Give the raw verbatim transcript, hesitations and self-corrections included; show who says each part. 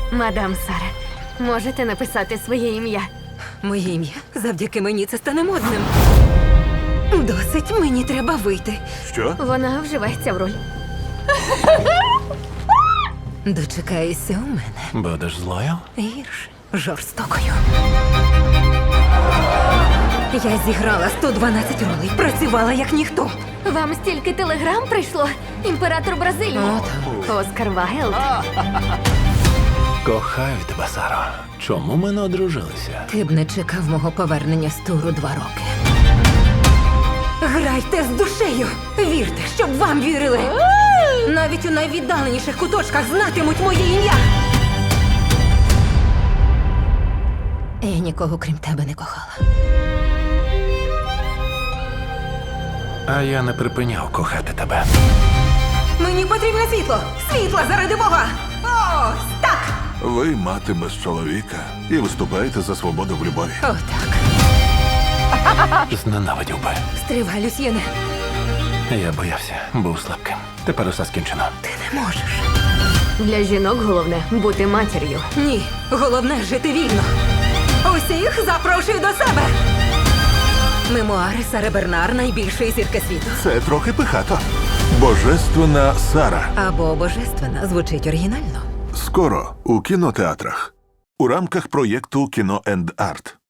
Speaker 1: Мадам Сара, можете написати своє ім'я?
Speaker 2: Моє ім'я завдяки мені це стане модним. Досить, мені треба вийти.
Speaker 3: Що?
Speaker 1: Вона вживається в роль.
Speaker 2: Дочекаєшся у мене.
Speaker 3: Будеш злою?
Speaker 2: Гірше, жорстокою. Я зіграла сто дванадцять ролей, працювала як ніхто.
Speaker 1: Вам стільки телеграм прийшло? Імператор Бразилії. Оскар Вайлд.
Speaker 3: Кохаю тебе, Саро. Чому ми не одружилися?
Speaker 2: Ти б не чекав мого повернення з туру два роки. Грайте з душею! Вірте, щоб вам вірили! Навіть у найвіддаленіших куточках знатимуть моє ім'я! Я нікого крім тебе не кохала.
Speaker 3: А я не припиняв кохати тебе.
Speaker 2: Мені потрібне світло! Світло заради Бога! Ось так!
Speaker 4: Ви мати без чоловіка і виступаєте за свободу в любові.
Speaker 2: Отак.
Speaker 3: Зненавидів би.
Speaker 2: Стривай, Люсьєне.
Speaker 3: Я боявся, був слабким. Тепер усе скінчено.
Speaker 2: Ти не можеш.
Speaker 1: Для жінок головне бути матір'ю.
Speaker 2: Ні, головне жити вільно. Усіх запрошую до себе. Мемуари Сари Бернар, найбільшої зірки світу.
Speaker 4: Це трохи пихато. Божественна Сара.
Speaker 2: Або божественна звучить оригінально.
Speaker 4: Скоро у кінотеатрах. У рамках проєкту «Кіно енд Арт».